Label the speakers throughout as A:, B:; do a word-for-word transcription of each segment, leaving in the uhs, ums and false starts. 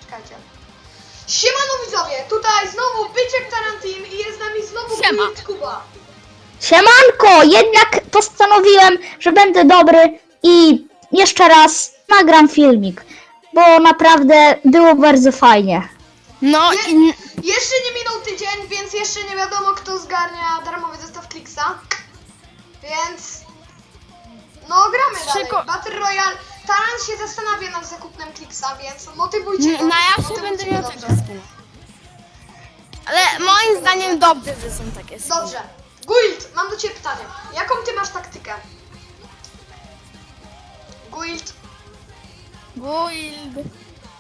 A: Czekajcie. Siemano widzowie, tutaj znowu Byczek Tarantin i jest z nami znowu
B: Siema.
A: Guild Kuba.
C: Siemanko, jednak postanowiłem, że będę dobry i jeszcze raz nagram filmik, bo naprawdę było bardzo fajnie.
B: No
A: Je,
B: i...
A: jeszcze nie minął tydzień, więc jeszcze nie wiadomo kto zgarnia darmowy zestaw Kliksa. Więc... No gramy dalej.
B: Szyko-
A: Battle Royale. Taran się zastanawia nad zakupem Kliksa, więc motywujcie go.
B: No ja się
A: motywujcie
B: będę
A: go
B: miał
A: dobrze.
B: takie skiny. Ale moim zdaniem dobrze, że są takie skiny.
A: Dobrze. Guild, mam do ciebie pytanie. Jaką ty masz taktykę? Guild.
B: Guild.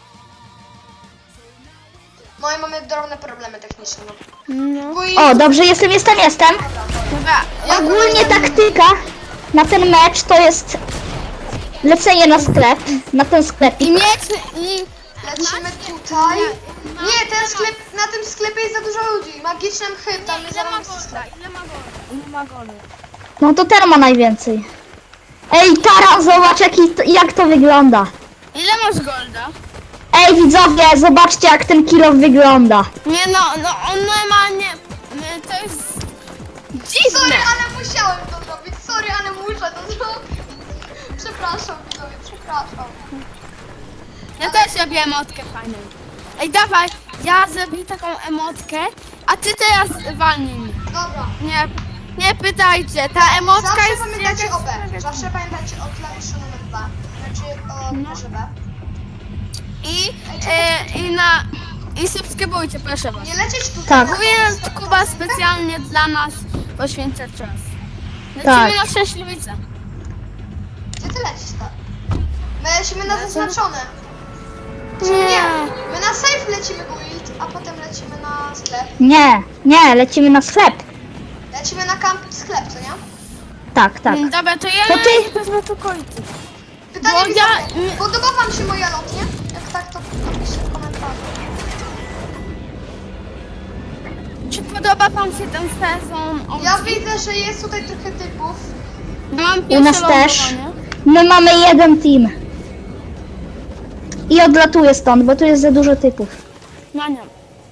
A: No i mamy drobne problemy techniczne. No.
B: No.
A: Guild.
C: O, dobrze, jestem, jestem, jestem.
B: Dobra, ja
C: Ogólnie taktyka na ten mecz to jest lecenie na sklep, na ten sklep.
B: I mieć... I...
A: Lecimy tutaj. Nie, ten sklep, na tym sklepie jest za dużo ludzi. Magiczny mchy, tam jest
B: Ile ma
A: zarobisty
B: golda?
A: sklep.
B: Ile ma golda? Ile ma golda?
C: No to ten ma najwięcej. Ej, Taran, zobacz jaki, jak to wygląda.
B: Ile masz golda?
C: Ej, widzowie, zobaczcie jak ten kilo wygląda.
B: Nie no, no on normalnie... my- To jest... Dziwne!
A: Sorry, ale musiałem to zrobić. Sorry, ale muszę to zrobić. Przepraszam, widzowie, przepraszam.
B: Ja też robię emotkę fajną. Ej, dawaj, ja zrobię taką emotkę, a ty teraz walnij mnie.
A: Dobra.
B: Nie, nie pytajcie, ta emotka
A: Zawsze
B: jest...
A: pamiętajcie
B: jakaś-
A: o B. Zawsze pamiętajcie o klawiszu numer dwa. Znaczy o numerze B.
B: I, e, i na... I subskrybujcie, proszę was.
A: Nie lecieć tutaj.
C: Tak.
A: na
B: Mówię,
A: koniec.
B: Kuba specjalnie dla nas poświęca czas. Lecimy
C: Tak.
B: na Szczęśliwicę.
A: Gdzie ty lecisz tak? My lecimy na
B: Lecę.
A: zaznaczone. Czy
B: Nie.
A: nie? My na safe lecimy guild, a potem lecimy na sklep.
C: Nie, nie, lecimy na sklep.
A: Lecimy na camp sklep, co nie?
C: Tak, tak.
B: Mm, Dobra, to ja
C: To ty-
B: wezmę tu końcu.
A: Pytanie
B: Bo ja-
A: widzowie, podoba wam się moja lotnia? Jak tak, to napiszcie w komentarzu.
B: Czy podoba wam się ten sezon? O,
A: Ja widzę, że jest tutaj trochę typów.
B: mam
C: U
B: pierwsze
C: nas też.
B: lądowanie.
C: My mamy jeden team. I odlatuję stąd, bo tu jest za dużo typów.
B: No nie.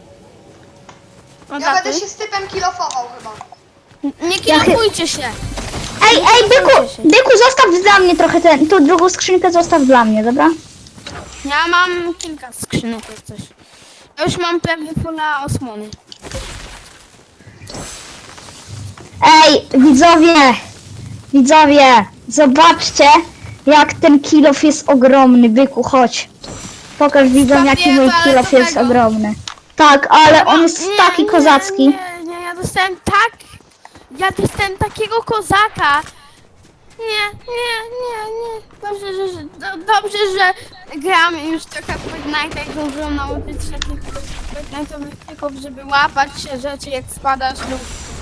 A: Ja
B: Odlatuj.
A: będę się z typem kilofował chyba.
B: Nie kierujcie się.
C: Ej, ej, byku, byku, zostaw dla mnie trochę ten, tu drugą skrzynkę zostaw dla mnie, dobra?
B: Ja mam kilka skrzynek jak coś. Ja już mam prawie fulla osłony.
C: Ej, widzowie, widzowie, zobaczcie, jak ten kilof jest ogromny, byku, chodź. Pokaż widzom, jaki mój kilof jest ogromny. Tak, ale on jest
B: Nie,
C: taki
B: nie,
C: kozacki.
B: Nie, nie, ja dostałem tak... Ja dostałem takiego kozaka. Nie, nie, nie, nie. Dobrze, że, że, do, dobrze, że gram już trochę w Fortnite i zdążyłam nauczyć się tych Fortnite'owych trików, żeby łapać się rzeczy jak spadasz lub...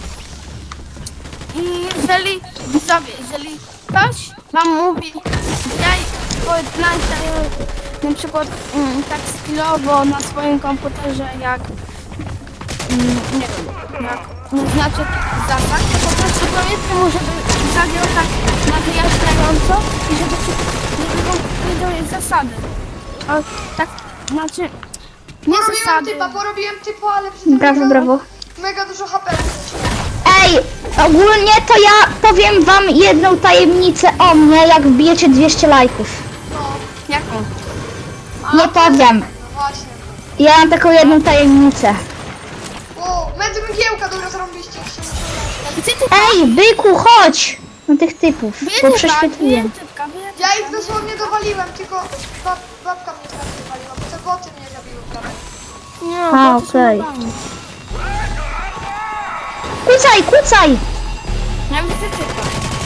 B: I jeżeli, widzowie, jeżeli ktoś wam mówi, graj w Fortnite na przykład mm, tak skillowo na swoim komputerze jak Mm, nie wiem, jak nie znaczy zasad, to po prostu powiedzmy mu, żeby zagrał tak na wyjaśniająco i żeby, żeby wam powiedział zasady. O, tak, znaczy, nie
A: Porobiłem
B: zasady.
A: typa, porobiłem typa, ale przy tym
C: Brawo,
A: mega,
C: brawo.
A: mega dużo H P leciło.
C: Ej, ogólnie to ja powiem wam jedną tajemnicę o mnie, jak wbijecie dwieście lajków.
A: No,
B: Jaką?
C: Nie powiem.
A: no właśnie.
C: Ja mam taką jedną tajemnicę.
A: O, med mgiełka, dobra, zrobiliście. Jak się muszę
B: Gdzie ty
C: Ej, byku, chodź! No tych typów,
B: Bije
C: bo
B: typa,
C: prześwietliłem.
B: bije typka, bije
A: Ja
B: typka.
A: ich dosłownie dowaliłem, tylko bab, babka mnie teraz dowaliła, bo te boty mnie zabiły prawie.
B: Nie,
C: A,
B: bo to są
C: okej.
B: normalne.
C: Kucaj, kucaj!
B: Ja widzę typa.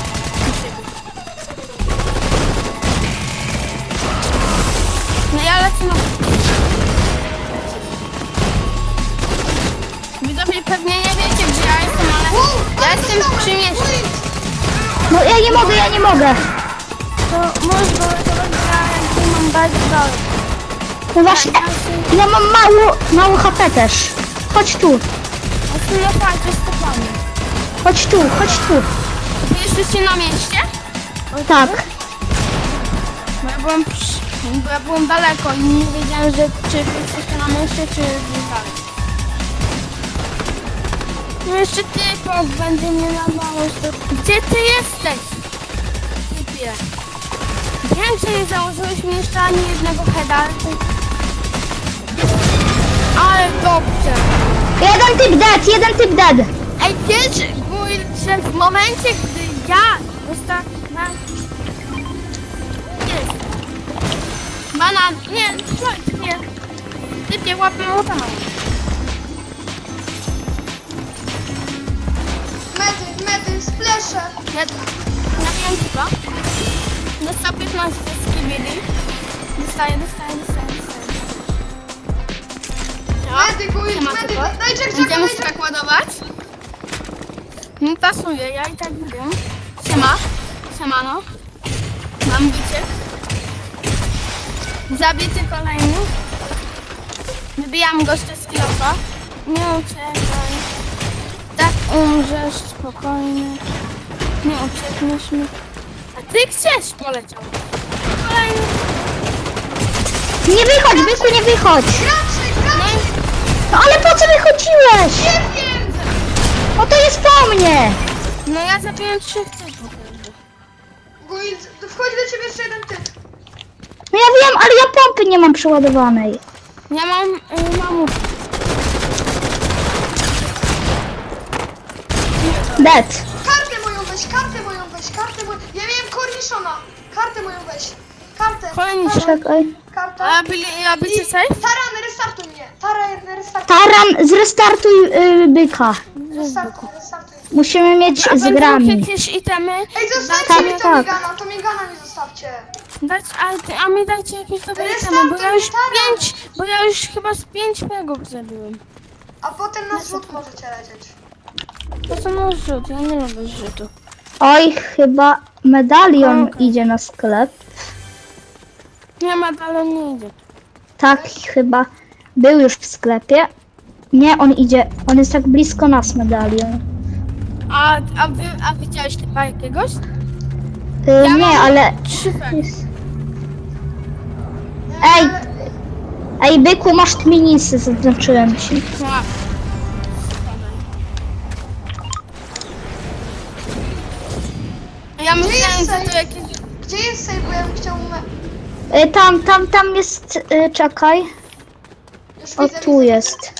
B: No ja lecę na... Widzowie pewnie nie wiecie, gdzie ja jestem, ale
A: Wow,
B: ja
A: ale
B: jestem
A: dostałem,
B: przy mieście.
A: guild.
C: No ja nie mogę, ja nie mogę.
B: To możesz go ratować, ja jakby mam bardzo dalej.
C: No właśnie, ja mam mało, mało H P też. Chodź tu,
B: A ty no tak, jest kopany.
C: chodź tu, chodź tu.
B: Wy jesteście na mieście?
C: Tak.
B: Bo ja byłem przy... Bo ja byłem daleko i nie wiedziałem, że czy wy jesteście na myszy, czy gdzieś dalej. No jeszcze typok będzie mnie nabało. Gdzie ty jesteś? Typie. Wiem, że nie założyłeś mi jeszcze ani jednego heada, ale ty... Ale dobrze.
C: Jeden typ dead, jeden typ dead.
B: Ej, wiesz, mój, że w momencie, gdy ja dostałem... Jest. Banan, nie, chodź, nie. Typie, łapę młota mam.
A: Medy, medy, splesze.
B: Ja, ja wiem chyba. Dostał piętnaście z kibili. Dostaję, dostaję, dostaję, dostaję.
A: Medy, guild,
B: Siema,
A: medy,
B: typo.
A: daj Jack, Jack,
B: Będziemy
A: daj
B: się
A: Jack.
B: tak ładować. Nie pasuje, ja i tak wiem. Siema, siemano. Mam bicie. Zabity kolejny. Wybijam go jeszcze z kilofa. Nie uciekaj. Tak umrzesz spokojnie. Nie uciekniesz mi. A ty gdzieś poleciał? Kolejny.
C: Nie wychodź, byku, nie wychodź.
A: Gracze,
B: No
A: gracze.
B: i
C: No ale po co wychodziłeś?
A: Nie wiem.
C: O, to jest po mnie.
B: no ja zabiłem trzech typów.
A: Guild, wchodzi do ciebie jeszcze jeden typ.
C: No ja wiem, ale ja pompy nie mam przeładowanej.
B: Ja mam y, mamut.
C: Dead.
A: Kartę moją weź, kartę moją weź, kartę moją... Ja miałem korniszona. Kartę moją weź. Kartę.
B: Kolejny się.
C: Czekaj.
A: Karta.
B: A byli, a bycie safe?
A: Taran, restartuj mnie. Taran, restartuj.
C: Taran, zrestartuj y, byka.
A: Restartuj, restartuj.
C: Musimy mieć
B: A
C: z
B: będą
C: grami.
B: jakieś itemy?
A: Ej, zostawcie
C: Tak,
A: mi to
C: tak.
A: migana, to migana mi zostawcie.
B: Dać, a, ty- a mi dajcie jakieś dobre
A: Restartuj,
B: itemy, bo ja już
A: taran.
B: pięć, bo ja już chyba z pięć pegów zabiłem.
A: A potem na zrzut możecie lecieć.
B: To co na rzut, ja nie lubię rzutu.
C: Oj, chyba medalion
B: Okej.
C: idzie na sklep.
B: Nie ma dalej, nie idzie.
C: Tak, chyba był już w sklepie. Nie, on idzie, on jest tak blisko nas, medalion.
B: A, a, wy, a widziałeś typa jakiegoś?
C: Y,
B: Ja
C: nie,
B: mam-
C: ale...
B: Trzy pegi.
C: Ej, ej, byku, masz tminisy, zaznaczyłem ci.
B: Wow. Ja myślałem,
A: jest
B: że to
A: safe?
B: jakieś...
A: Gdzie jest save, bo ja bym chciał... Me...
C: Y, tam, tam, tam jest, y, czekaj.
A: Już
C: O,
A: widzę,
C: tu
A: widzę.
C: jest.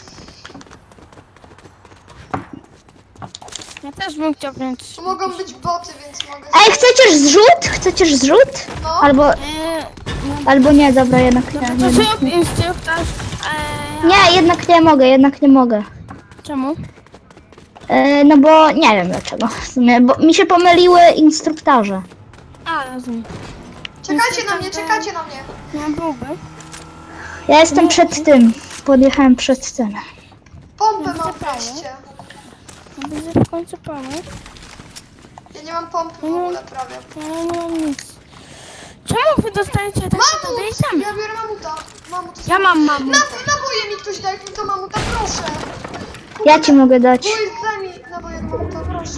B: Ja też bym chciał wziąć...
A: Tu mogą być boty, więc mogę...
C: Ej, chcecie zrzut? Chcecie zrzut?
A: No.
C: Albo,
B: Eee, no,
C: albo nie, dobra, jednak
B: no
C: nie.
B: to, to
C: jednak
B: zrób
C: nie.
B: instruktaż. Eee,
C: Nie, jednak nie mogę, jednak nie mogę.
B: Czemu?
C: E, no bo nie wiem dlaczego. W sumie, bo mi się pomyliły instruktorze.
B: A, rozumiem.
A: Czekajcie na mnie, czekajcie na mnie.
B: Nie byłby.
C: Ja jestem przed tym. Podjechałem przed tym.
A: Pompę
B: No,
A: mam
B: zabrałem.
A: wreszcie.
B: Ja będę w końcu pomóc.
A: Ja nie mam pompy w ogóle prawie.
B: Ja nie mam nic. Czemu wy dostajecie takie
A: Mamut!
B: dodatki?
A: Ja biorę mamuta. Mamut jest...
B: Ja mam mamut.
A: Na, naboje mi ktoś daj mi to mamuta, proszę.
C: Ja ci mogę dać.
A: Guild, daj mi naboje do mamuta, proszę.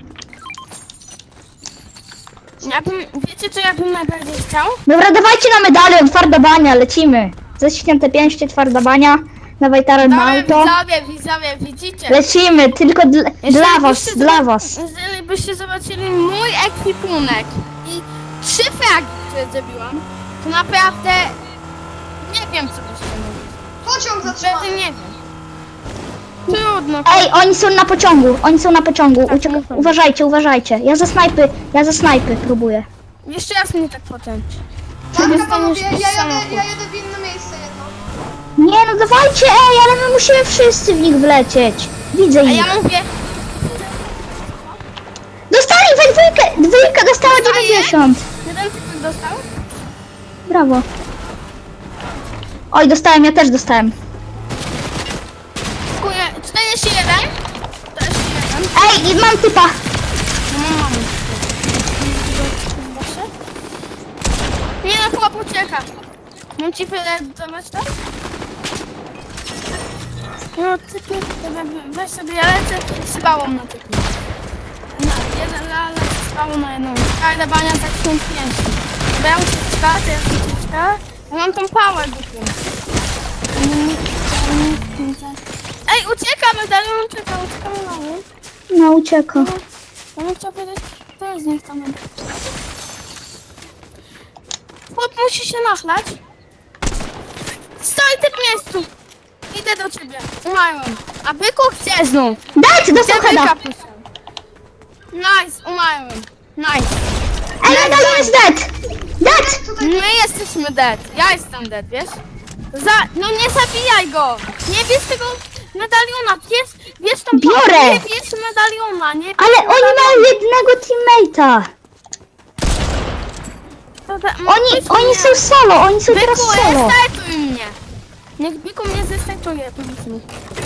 B: Ja bym, wiecie co ja bym najbardziej chciał?
C: Dobra, dawajcie na medalion, twarda bania, lecimy. Zaśnięte pięście, twarda bania. Dawaj taran na
B: Dobra,
C: auto.
B: widzowie, widzowie, widzicie?
C: Lecimy, tylko dla,
B: Jeżeli
C: dla was,
B: byście
C: dla
B: zobac-
C: was.
B: Jeżeli byście zobaczyli mój ekwipunek i trzy fragi, które zrobiłam, to naprawdę nie wiem co byście mówili.
A: Pociąg
B: Wtedy
A: zatrzymany.
B: nie wiem. Trudno.
C: Ej, oni są na pociągu, oni są na pociągu.
B: Tak,
C: Uciek-
B: muszę.
C: uważajcie, uważajcie. Ja za snajpy, ja za snajpy próbuję.
B: Jeszcze raz mnie tak potęć.
A: Dobra,
B: dostaniesz
A: panowie, ja jadę,
B: samochód.
A: ja jadę w inne miejsce jedno.
C: Nie no, dawajcie, ej, ale my musimy wszyscy w nich wlecieć. Widzę
B: A
C: ich.
B: ja mówię,
C: Dostali we dwójkę, dwójka dostała
B: Dostaję?
C: dziewięćdziesiąt.
B: jeden typ dostał?
C: Brawo. Oj, dostałem, ja też dostałem.
B: Dziękuję. czterdzieści jeden. czterdzieści jeden.
C: Ej, i mam typa.
B: No mam mamę. Nie no, chłop ucieka. Mam ci wyedytować to? No typy, weź sobie, ja lecę z pałą na typy. Na jeden, ale z pałą na jedną. Kajda bania tak są pięć. Bo ja muszę ucieczka, to jest ucieczka. Ja mam tą pałę głupą. Ej, uciekamy, dalej ucieka, uciekamy mamy.
C: No ucieka.
B: Ja bym chciał powiedzieć, to jest niech tam. Chłop musi się nachlać. Stoi ty w miejscu. Idę do ciebie. Umarłem. A byku chce znów.
C: Dajcie, dostał
B: Gdzie
C: heada.
B: byka puszczam? Nice, umarłem. Nice.
C: Ej, medalion jest dead! Dead!
B: My jesteśmy dead. Ja jestem dead, wiesz? Za... No nie zabijaj go! Nie bierz tego medaliona, bierz, bierz tą
C: Biorę.
B: pałkę, Nie bierz medaliona, nie bierz
C: Ale oni
B: medaliona.
C: mają jednego teammate'a.
B: To da-
C: Oni,
B: weź
C: oni
B: mnie.
C: są solo, oni są teraz
B: Byku,
C: solo.
B: zestartuj mnie! Niech Byku mnie zestartuje, powiedz mi.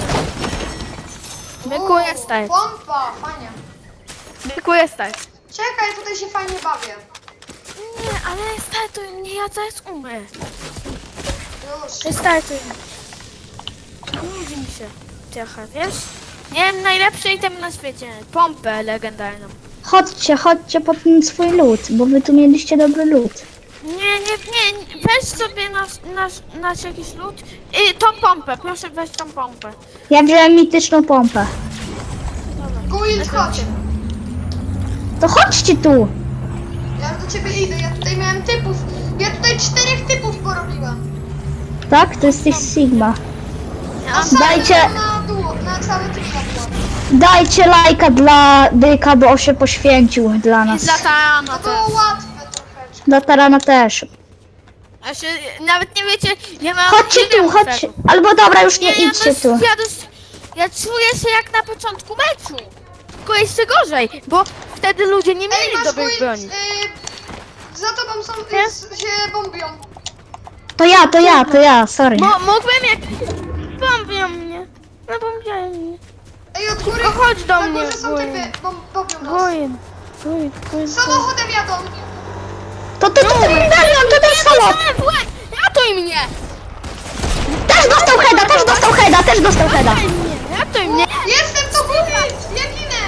B: Byku,
A: Uuu,
B: jesteś.
A: Pompa, fajnie.
B: Byku, jesteś.
A: Czekaj, tutaj się fajnie bawię.
B: Nie, ale startuj mnie, ja zaraz umrę.
A: Już.
B: Startuj. Nudzi mi się trochę, wiesz? Miałem najlepszy item na świecie. Pompę legendarną.
C: Chodźcie, chodźcie po ten swój loot, bo wy tu mieliście dobry loot.
B: Nie, nie, nie, weź sobie nasz, nasz, nasz jakiś lód i tą pompę, proszę weź tą pompę.
C: Ja wziąłem mityczną pompę.
A: Guild, chodź.
C: To chodźcie tu.
A: Ja do ciebie idę, ja tutaj miałem typów. Ja tutaj czterech typów porobiłem.
C: Tak? To jesteś Sigma.
B: Ja,
A: Cały
C: Dajcie-
A: Na duo, na cały team na duo.
C: Dajcie lajka dla Byka, bo on się poświęcił dla
B: I
C: nas.
B: za Tarana
A: To
B: też.
A: było łatwe troszeczkę.
C: Dla Tarana też.
B: Ja się, nawet nie wiecie, ja mam...
C: Chodźcie
B: nie
C: tu,
B: wiem
C: chodźcie.
B: czego.
C: Albo dobra, już nie
B: Nie, ja,
C: idźcie
B: dość,
C: tu.
B: ja, dość, ja czuję się jak na początku meczu. Tylko jeszcze gorzej, bo wtedy ludzie nie
A: Ej,
B: mieli
A: masz
B: dobrej
A: guild,
B: broni.
A: y, za tobą są,
B: Nie?
A: y, s- się bombią.
C: To ja, to ja, to ja, sorry.
B: Bo mógłbym jak... Bombią mnie. No bombiają mnie.
A: Ej, od góry,
B: No chodź do
A: na
B: mnie,
A: górze są
B: Guild.
A: typy, bom, bombią nas.
B: Gojen. Gojen, gojen.
A: Samochodem jadą.
C: To to, to ten medalion, to ten solo.
B: Ratuj mnie!
C: Też dostał heada, też dostał heada, też dostał heada.
B: Ratuj mnie! Ratuj mnie!
A: Jestem to gubić, ja ginę.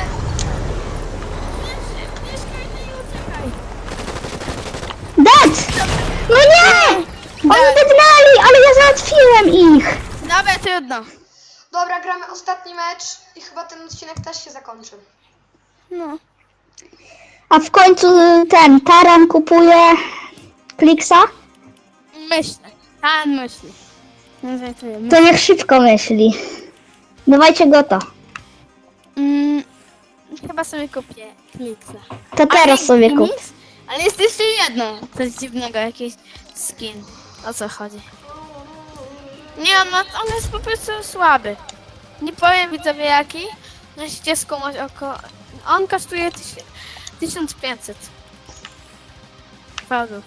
C: Dead! No nie! Oni dednęli, ale ja załatwiłem ich.
B: Dobra, trudno.
A: Dobra, gramy ostatni mecz i chyba ten odcinek też się zakończy.
B: No.
C: A w końcu ten Taran kupuje Kliksa?
B: Myślę. Pan myśli. No żartuję.
C: To niech szybko myśli. Dawajcie go to.
B: Mm, chyba sobie kupię Kliksa.
C: To teraz
B: Ale-
C: sobie
B: i
C: kup.
B: nic? Ale jest jeszcze jedno. Coś dziwnego, jakiś skin. O co chodzi? Nie, on, ma, on jest po prostu słaby. Nie powiem widzowie jaki. Musicie skumać około... On kosztuje tyś, tysiąc pięćset. Fałdów.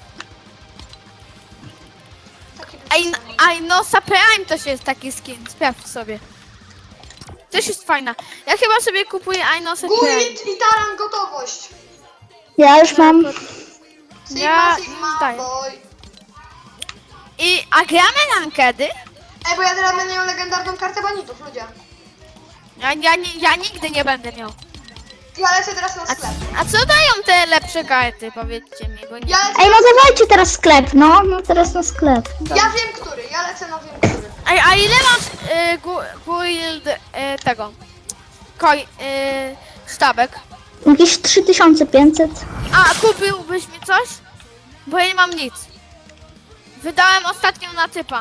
A: Taki
B: Aj, aj no, Prime też jest taki skin, sprawdź sobie. Też jest fajna. Ja chyba sobie kupuję Ainosa Prime.
A: Guild i Taran gotowość.
C: Ja już mam.
A: Sigma,
B: Ja
A: Sigma,
B: zdaję.
A: boy.
B: I, a gramy rankedy?
A: Ej, bo ja teraz będę miał legendarną kartę banitów, ludzie.
B: Ja, ja, nie, ja nigdy nie będę miał.
A: Ja lecę teraz na
B: A,
A: sklep.
B: a co dają te lepsze karty, powiedzcie mi, bo nie
A: Ja lecę,
C: Ej, no dawajcie teraz sklep, no. No teraz na sklep.
A: ja wiem który, ja lecę na wiem który.
B: Ej, a ile masz y, gu, guild y, tego? Koi, y, sztabek?
C: Jakieś trzy tysiące pięćset.
B: A, kupiłbyś mi coś? Bo ja nie mam nic. Wydałem ostatnio na typa.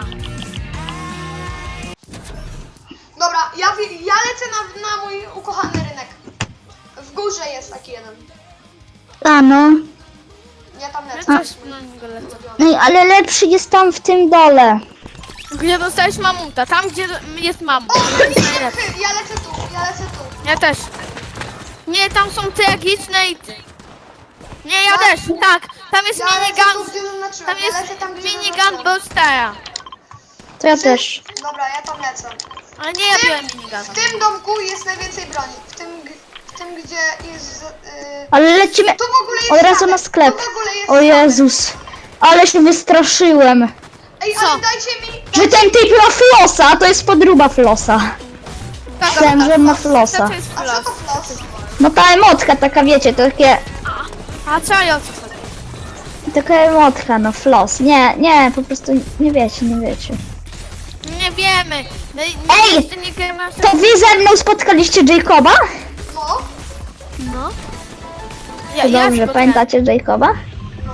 A: Dobra, ja, wi- ja lecę na, na mój ukochany rynek. W górze jest taki jeden.
C: A no.
A: Ja tam
B: Ja
A: lecę.
B: też na niego lecę.
C: Ej, ale lepszy jest tam w tym dole.
B: Gdzie dostałeś mamuta? Tam, gdzie jest mamut.
A: O,
B: To jest najlepsze.
A: ja lecę tu, ja lecę tu.
B: Ja też. Nie, tam są tragiczne i... Nie, ja
A: Tak.
B: też, tak. Tam jest
A: Ja lecę tu,
B: minigun.
A: gdzie zaznaczyłem.
B: Tam
A: Ja
B: jest
A: lecę tam, gdzie
B: minigun
A: zaznaczyłem.
B: Bolstera.
C: To ja też.
A: Dobra, ja tam lecę.
B: Ale nie ja
A: W tym-
B: biorę miniguna.
A: W tym domku jest najwięcej broni. W tym, g- w tym gdzie jest... Yy,
C: Ale lecimy
A: tu w ogóle jest
C: od razu
A: statek.
C: na sklep.
A: Tu w ogóle jest
C: O
A: statek.
C: Jezus. Ale się wystraszyłem.
A: Ej,
B: Co?
A: ale dajcie mi...
C: Że ten typ ma flosa, a to jest podruba flosa. Myślałem, że ma flosa.
B: Co to jest
A: A co
B: flos?
A: to flos?
C: No ta emotka taka, wiecie, to takie...
B: A co ja o co chodzi?
C: Taka emotka, no floss. Nie, nie, po prostu nie wiecie, nie wiecie.
B: Nie wiemy. No, i-
C: Ej!
B: jeszcze nie gramy aż
C: To wy ze mną spotkaliście Jacoba?
A: No,
B: No.
C: To dobrze,
B: spotkałem.
C: pamiętacie Jacoba?
A: no.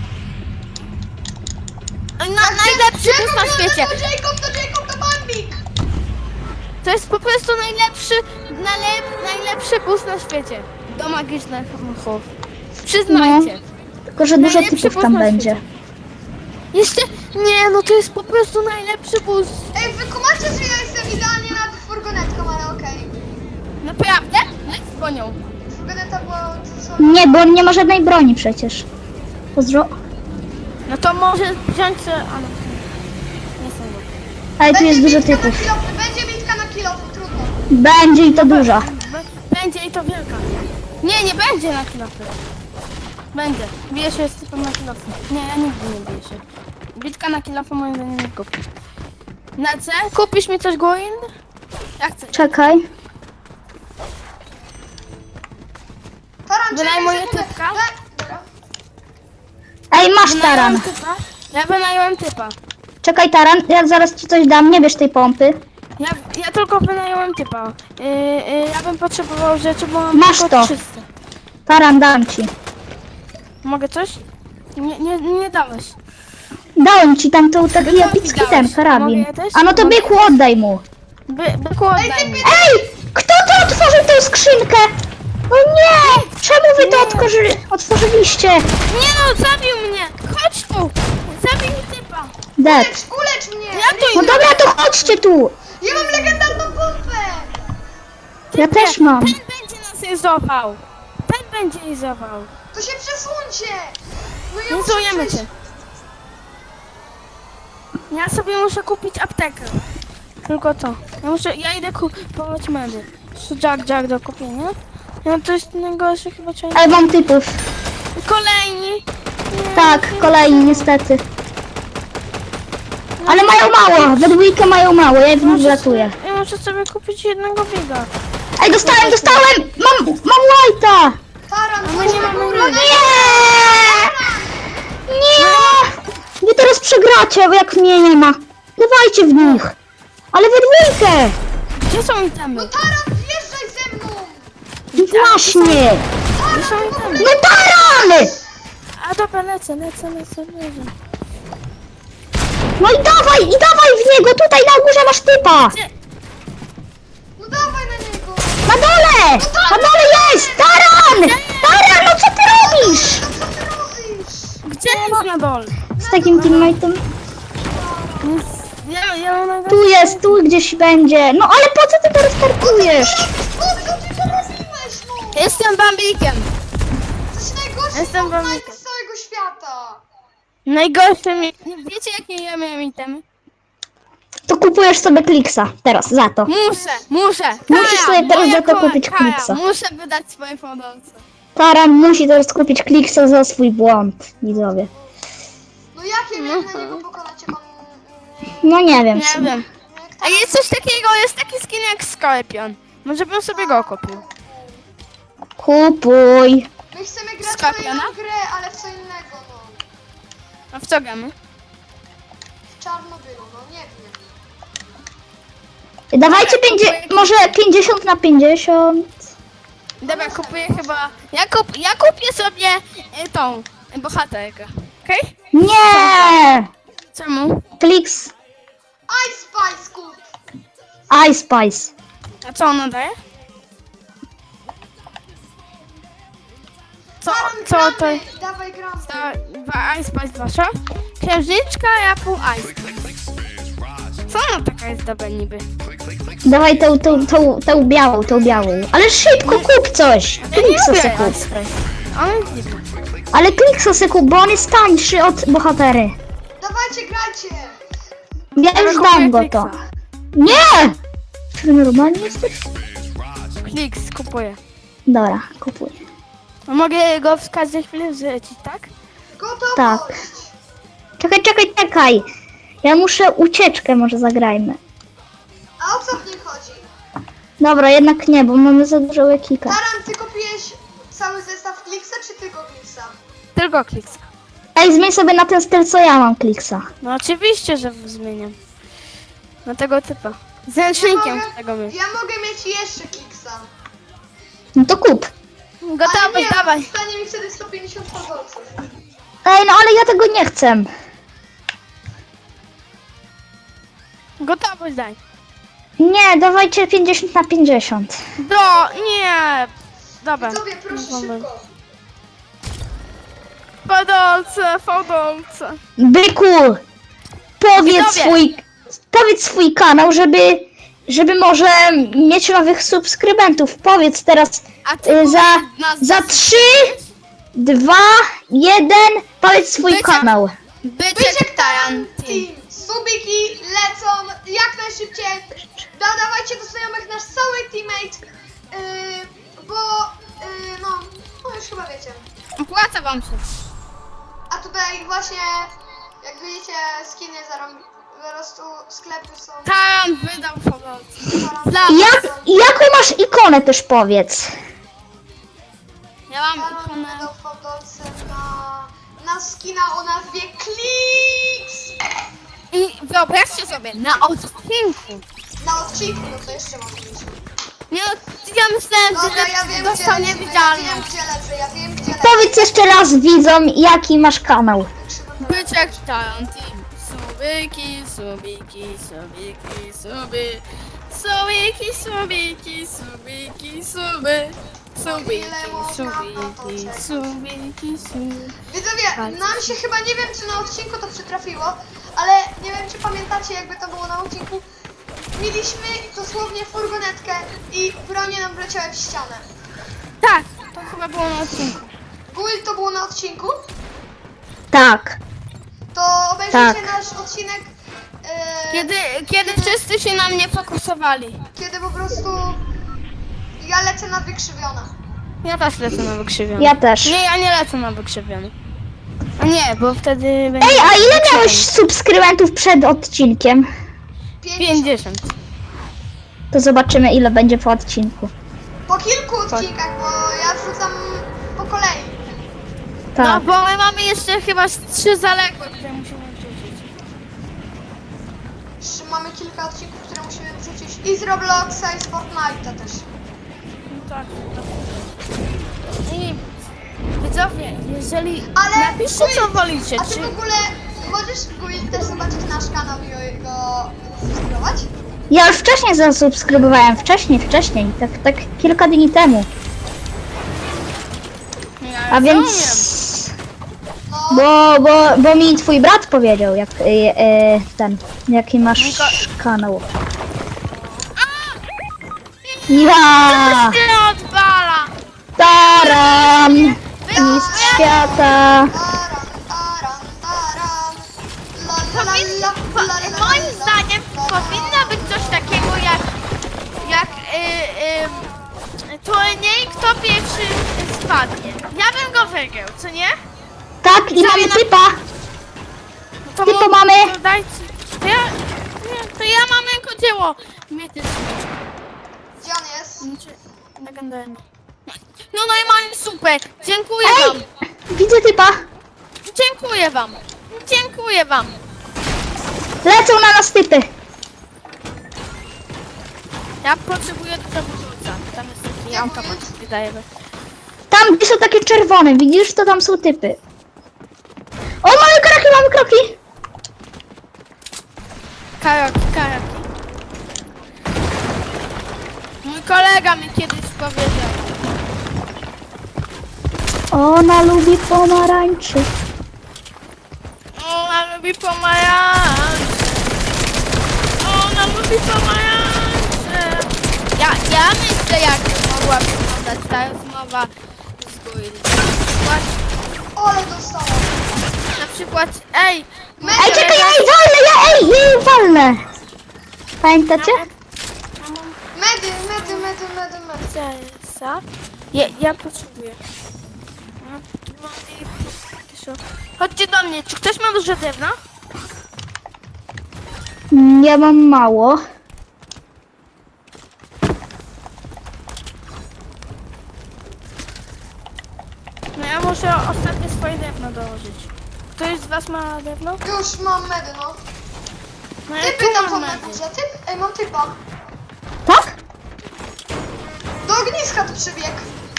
B: No, najlepszy bus na świecie.
A: To Jacob, to Jacob, to Bambik.
B: To jest po prostu najlepszy, najlep, najlepszy bus na świecie. Do magicznych muchów. Przyznajcie.
C: Tylko, że dużo
B: Najlepszy
C: typów
B: bus
C: tam
B: na
C: będzie.
B: świecie. Jeszcze, nie no to jest po prostu najlepszy bus.
A: Ej, wy kumacie, że ja jestem idealnie nad furgonetką, ale okej.
B: Naprawdę? Leć po nią.
A: Furgoneta była... to co?
C: Nie, bo on nie ma żadnej broni przecież. Pozdro.
B: No to może wziąć sobie... A no, nie sądzę.
C: Ale tu jest dużo
A: bitka na
C: typów.
A: kilofy, będzie bitka na kilofy, trudno.
C: Będzie i to dużo.
B: B- Będzie i to wielka. Nie, nie będzie na kilofy. Będzie. Bije się z typem na kilofy. Nie, ja nigdy nie biję się. Bitka na kilofy moim zdaniem nie kupisz. Na C? Kupisz mi coś Gwyn? Ja chcę.
C: Czekaj.
A: Taran,
B: Wynajmuję
A: czekaj sekundę.
B: typka?
A: We- Dobra.
C: Ej, masz
B: Wynająłem
C: taran.
B: typa. Ja wynająłem typa.
C: Czekaj, taran, ja zaraz ci coś dam, nie bierz tej pompy.
B: Ja, ja tylko wynająłem typa. Yy, yy, ja bym potrzebował rzeczy, bo mam
C: Masz
B: tylko
C: to.
B: trzysta.
C: Taran, dam ci.
B: Mogę coś? Nie, nie, nie dałeś.
C: Dałem ci tam tą taki
B: Bykowi
C: epicki
B: dałeś.
C: ten karabin.
B: Mogę też?
C: A no to
B: Mogę
C: byku, oddaj mu.
B: By, byku, oddaj mi.
C: Ej! Kto to otworzył tę skrzynkę? O nie! Czemu wy to
B: Nie.
C: otworzy, otworzyliście?
B: Nie no, zabił mnie! Chodź tu! Zabij mi typa!
C: Dead.
A: Ulecz, ulecz mnie!
B: Ja tu
C: No dobra, to chodźcie tu.
A: Ja mam legendarną pompę!
C: Ja też mam.
B: Ten będzie nas izował! Ten będzie izował!
A: To się przesuńcie! No ja
B: Nie
A: muszę
B: zujemy
A: przejść.
B: cię! Ja sobie muszę kupić aptekę. Tylko to. Ja muszę, ja idę kupować medy. Jack, Jack do kupienia. No to jest najgorsze chyba czego.
C: Ale mam typów.
B: Kolejni! Nie,
C: Tak, kolejni niestety. Ale mają mało, we dwójkę mają mało, ja w nich
B: muszę
C: wlatuję.
B: sobie, ja muszę sobie kupić jednego biga.
C: Ej, dostałem, dostałem! Mam, mam white'a!
A: Taran,
B: my
A: chodź
B: nie
A: na
B: mamy
A: górę!
B: nic.
C: Nie! Nie! Wy teraz przegracie, bo jak mnie nie ma. Dawajcie w nich. Ale we dwójkę!
B: Gdzie są itemy?
A: Taran, wjeżdżaj ze mną!
C: Właśnie!
B: Gdzie są itemy?
C: No taran!
B: A dobra, lecę, lecę, lecę, lecę.
C: No i dawaj, i dawaj w niego, tutaj na górze masz typa!
B: Gdzie?
A: No dawaj na niego!
C: Na dole! Na dole jest! Taran! Taran, no co ty robisz?
A: No co ty robisz?
B: Gdzie jest na dole?
C: Z takim teammate'em?
B: Ja, ja mam najgorsze.
C: Tu jest, tu gdzieś będzie. No ale po co ty to restartujesz?
A: No co ty to robiłeś, no?
B: Jestem bambikiem.
A: To jest najgorszy
B: Jestem
A: Fortnite
B: bambikiem.
A: z całego świata!
B: Najgorsze mi... Wiecie jakie ja miałem itemy?
C: To kupujesz sobie Kliksa teraz za to.
B: Muszę, muszę.
C: Musisz sobie teraz
B: moja
C: za to
B: kola-
C: kupić
B: Kaja,
C: Kliksa.
B: Muszę wydać swoje fondolce.
C: Taran musi teraz kupić Kliksa za swój błąd, widzowie.
A: No jakie wiem na niego pokonać, jak on...
C: No nie wiem. w
B: Nie
C: sumie.
B: wiem. A jest coś takiego, jest taki skin jak Skorpion. Może bym sobie go kupił.
C: Kupuj.
A: My chcemy grać w
B: Skorpiona?
A: kolejną grę, ale w co innego, no.
B: A w co gramy?
A: W Czarnobylu, no nie wiem.
C: Dawajcie pięćdzie- może pięćdziesiąt na pięćdziesiąt.
B: Dobra, kupuję chyba... Ja, kup... ja kupię sobie y, tą y, bohaterkę. Okej?
C: Nie!
B: Czemu?
C: Kliks.
A: Ice Spice kup!
C: Ice Spice.
B: A co ona daje? Co,
A: Taran,
B: co to
A: gramy!
B: jest?
A: Dawaj gramy!
B: Ta, dwa Ice Spice wasza? Księżniczka, ja pół Ice. Co ona taka jest dobra niby?
C: Dawaj tą, tą, tą, tą białą, tą białą. Ale szybko kup coś.
B: Ja nie
C: Kliksa
B: lubię
C: se
B: Ice
C: kup.
B: Spice. Ona jest dziwna.
C: Ale Kliksa se kup, bo on jest tańszy od bohatery.
A: Dawajcie, grajcie!
C: Ja już
B: kupuję
C: dam go
B: Kliksa.
C: to. Nie! Czy ty normalnie jesteś?
B: Kliks, kupuję.
C: Dobra, kupuję.
B: A mogę go w każdej chwili zlecić, tak?
A: Gotowość!
C: Tak. Czekaj, czekaj, czekaj. Ja muszę ucieczkę, może zagrajmy.
A: A o co w nim chodzi?
C: Dobra, jednak nie, bo mamy za dużo łekika.
A: Taran, ty kupiłeś cały zestaw Kliksa, czy tylko Kliksa?
B: Tylko Kliksa.
C: Ej, zmień sobie na ten styl, co ja mam, Kliksa.
B: No oczywiście, że zmieniam. Na tego typa. Z
A: Ja
B: ręcznikiem
A: mogę,
B: tego my.
A: ja mogę mieć jeszcze kiksa.
C: No to kup.
A: Ale
B: Gotowy,
A: nie,
B: dawaj.
A: stanie mi wtedy sto pięćdziesiąt fazolców.
C: Ej, no ale ja tego nie chcę.
B: Gotowy, daj.
C: Nie, dawajcie pięćdziesiąt na pięćdziesiąt.
B: Do, nie. Dobra.
A: Widzowie, proszę
B: Mamy.
A: szybko.
B: Fodolce, fodolce.
C: Byku, powiedz
B: Widzowie.
C: swój, powiedz swój kanał, żeby, żeby może mieć nowych subskrybentów. Powiedz teraz
B: A ty
C: y, za,
B: powiedz nas-
C: za trzy, dwa, jeden, powiedz swój
B: Byczek.
C: kanał.
B: Byczek
A: Byczek
B: Taran Team.
A: Team. Subiki lecą jak najszybciej. Dodawajcie do znajomych nasz cały teammate. Yy, bo, yy, no, no już chyba wiecie.
B: Opłaca wam się.
A: A tutaj właśnie, jak widzicie, skiny zarąb... po prostu sklepy są...
B: Taran wydał fodolce. Dla
C: Jak, jaką masz ikonę też powiedz.
B: Ja mam
A: Taran
B: ikonę.
A: wydał fotolce na, na skina o nazwie Kliks.
B: I wyobraźcie sobie, na odcinku.
A: Na odcinku, no to jeszcze mam mniejsze.
B: Nie, no, ja myślałem,
A: Dobra,
B: że
A: ja wiem,
B: dostał
A: gdzie lecimy, ja wiem,
B: niewidzialność.
A: gdzie lecę, ja wiem, gdzie lecę.
C: Powiedz jeszcze raz widzom, jaki masz kanał.
B: Byczek Taran Team. Subiki, subiki, subiki, suby. Subiki, subiki, subiki, suby. Subiki, subiki, subiki, suby.
A: Widzowie, nam się chyba, nie wiem czy na odcinku to przytrafiło, ale nie wiem czy pamiętacie jakby to było na odcinku. Mieliśmy dosłownie furgonetkę i bronie nam wleciały w ścianę.
B: Tak, to chyba było na odcinku.
A: Guild to było na odcinku,
C: Tak.
A: to obejrzyjcie
C: Tak.
A: nasz odcinek, e,
B: Kiedy, kiedy wszyscy się na mnie fokusowali.
A: kiedy po prostu ja lecę na wykrzywione.
B: Ja też lecę na wykrzywiony.
C: Ja też.
B: Nie, ja nie lecę na wykrzywiony. A nie, bo wtedy będzie...
C: Ej, a ile miałeś subskrybentów przed odcinkiem?
A: pięćdziesiąt.
B: pięćdziesiąt.
C: To zobaczymy, ile będzie po odcinku.
A: Po kilku odcinkach, bo ja wrzucam po kolei.
B: No,
C: Tak.
B: bo my mamy jeszcze chyba z trzy zaległe, które musimy wrzucić.
A: Jeszcze mamy kilka odcinków, które musimy wrzucić i z Robloxa i z Fortnite'a też.
B: No tak. I widzowie, jeżeli...
A: Ale
B: Napiszcie, co
A: Guild,
B: wolicie,
A: A ty
B: czy...
A: w ogóle możesz Guild też zobaczyć nasz kanał i go subskrybować?
C: Ja już wcześniej zasubskrybowałem, wcześniej, wcześniej, tak, tak kilka dni temu.
B: Ja
C: A
B: rozumiem.
C: więc...
A: No,
C: Bo, bo, bo mi twój brat powiedział, jak e, e, ten, jaki masz kanał. Ja!
B: Ty odwala!
C: Taran! Mistrz świata!
A: taran, taran, taran. La, la, la,
B: Powin,
A: la,
B: po,
A: la, la, la,
B: moim
A: la,
B: zdaniem
A: la, la.
B: powinno być coś takiego jak, jak y, y, turniej, kto pierwszy spadnie. Ja bym go wygrał, co nie?
C: Tak, i mamy typa!
B: No to
C: Typa
B: mo-
C: mamy.
B: To dajcie. To ja, nie, to ja mam rękodzieło. Mityczne.
A: Gdzie on jest?
B: Znaczy, legendarne. No no i mam super. Dziękuję wam.
C: Ej! Widzę typa!
B: Dziękuję wam. Dziękuję wam.
C: Lecą na nas typy!
B: Ja potrzebuję do wyrzuca. Tam jest taki automat, wydaje mi.
C: Tam, gdzie są takie czerwone, widzisz? To tam są typy. O, mamy kroki, mamy kroki!
B: Karaki, karaki. Mój kolega mi kiedyś powiedział.
C: Ona lubi pomarańczy.
B: Ona lubi pomarańcze. Ona lubi pomarańcze. Ja, ja myślę, jak mogła wyglądać ta rozmowa z Guild. Na przykład,
A: Ole dostałem.
B: na przykład, ej,
C: Ej, czekaj, ja jej walnę, ja ej, ja jej walnę! Pamiętacie?
A: Medy, medy, medy, medy, medy.
B: Co? Ja, ja potrzebuję. No, no i- Chodźcie do mnie, czy ktoś ma dużo drewna?
C: Mm, Ja mam mało.
B: No ja muszę ostatnie swoje drewno dołożyć. Ktoś z was ma drewno?
A: Już mam medy, no.
B: No ja
A: Typy
B: tu
A: tam
B: mam
A: są na
B: medy.
A: górze. Typ, ej, mam typa.
C: Tak?
A: Do ogniska tu przybiegł.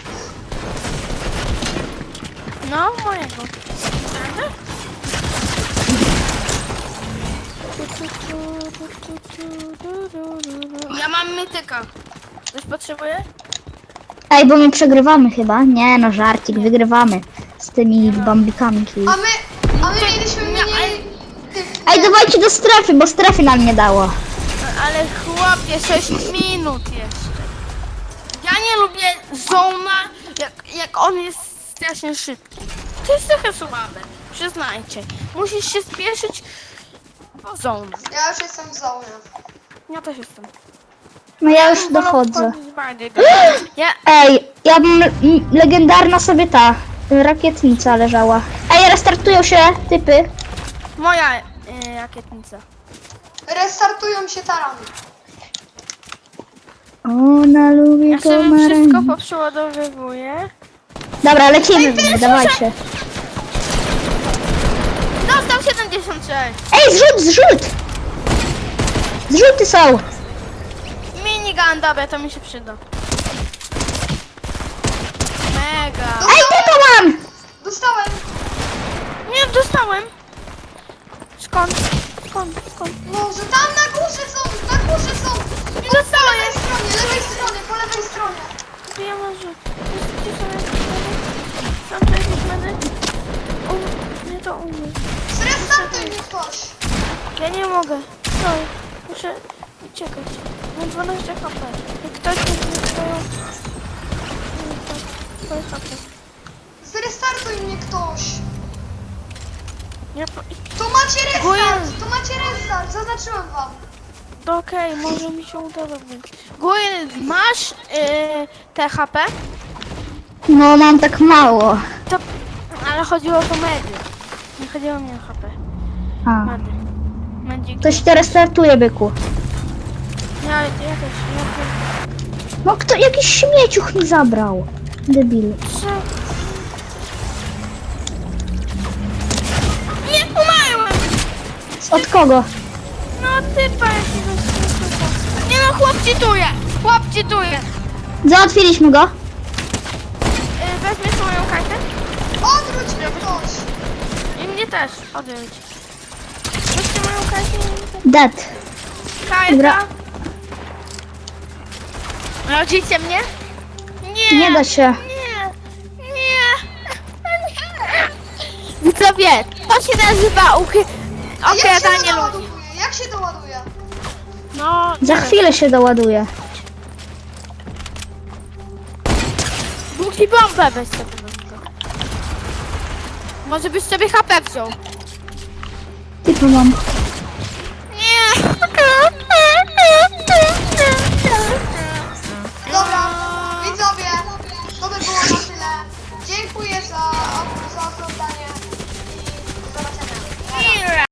B: No, mojego. Prawda? Ja mam mityka. Ktoś potrzebuje?
C: Ej, bo my przegrywamy chyba. Nie no, żarcik, wygrywamy. Z tymi bambikami.
A: A my, a my mieliśmy
B: Nie,
A: mniej... Typ,
C: Ej, dawajcie do strefy, bo strefy nam nie dało.
B: Ale chłopie, sześć minut jeszcze. Ja nie lubię zona, jak, jak on jest strasznie szybki. To jest trochę słabe, przyznajcie. Musisz się spieszyć po zona.
A: Ja już jestem w zonie.
B: Ja też jestem.
C: No ja już
B: bym wolał
C: dochodzę.
B: wchodzić bardziej do- Ja,
C: Ej, ja bym... m, legendarna sobie ta y, rakietnica leżała. Ej, restartują się typy.
B: moja y, rakietnica.
A: Restartują się tarany.
C: Ona lubi
B: Ja sobie
C: pomarańcze.
B: wszystko poprzeładowywuję.
C: Dobra, lecimy w nich, dawajcie.
B: Dostał siedemdziesiąt sześć.
C: Ej, zrzut, zrzut! Zrzuty są!
B: Minigun, dobra, to mi się przyda. Mega.
C: Ej, typa mam!
A: Dostałem.
B: Nie, dostałem. Skąd? Skąd? Skąd?
A: Może tam na górze są, na górze są.
B: Nie
A: Po
B: dostałem.
A: lewej stronie, lewej stronie, po lewej stronie.
B: Gdzie ja mam rzut? Gdzie są jakieś medy? Są tu jakieś medy? U, nie to u mnie.
A: Zrestartuj mnie ktoś.
B: Ja nie mogę. Stoj. Muszę uciekać. Mam dwanaście H P. Jak ktoś mi swoją... Swoje H P.
A: Zrestartuj mnie ktoś.
B: Nie, po...
A: Tu macie restart,
B: Dziękuję.
A: tu macie restart, zaznaczyłem wam.
B: to okej, może mi się uda robić. Gwen, masz yy, te H P?
C: No, mam tak mało.
B: To... Ale chodziło o to medy. Nie chodziło mi o H P.
C: A.
B: Medy. Medziki.
C: Ktoś to restartuje, byku.
B: Ja, ja też. Ja też.
C: No kto, jakiś śmieciuch mi zabrał. Debil.
B: Co? Nie, umarłem!
C: Od kogo?
B: No typa jakiegoś typa. Nie no, chłop cheatuje! Chłop cheatuje!
C: Załatwiliśmy go.
B: Yy, weźmiesz moją kartę?
A: Odwróć mnie ktoś.
B: I mnie też, odjąć. Weźcie moją kartę i mnie też.
C: Dead. Dobra.
B: Karta! Rodzicie mnie? Nie!
C: Nie da się.
B: Nie! Nie! Widzowie, to się nazywa ukry...
A: A jak się
B: okradanie
A: to
B: ludzi.
A: doładuje? Jak się doładuje?
B: No,
C: Za
B: nie.
C: chwilę się doładuje.
B: Długi bombę weź sobie do tego. Może byś sobie H P wziął.
C: Typa mam.
B: Nie!
A: Dobra, widzowie, to by było na tyle. Dziękuję za, za oglądanie i do zobaczenia.
B: Nie!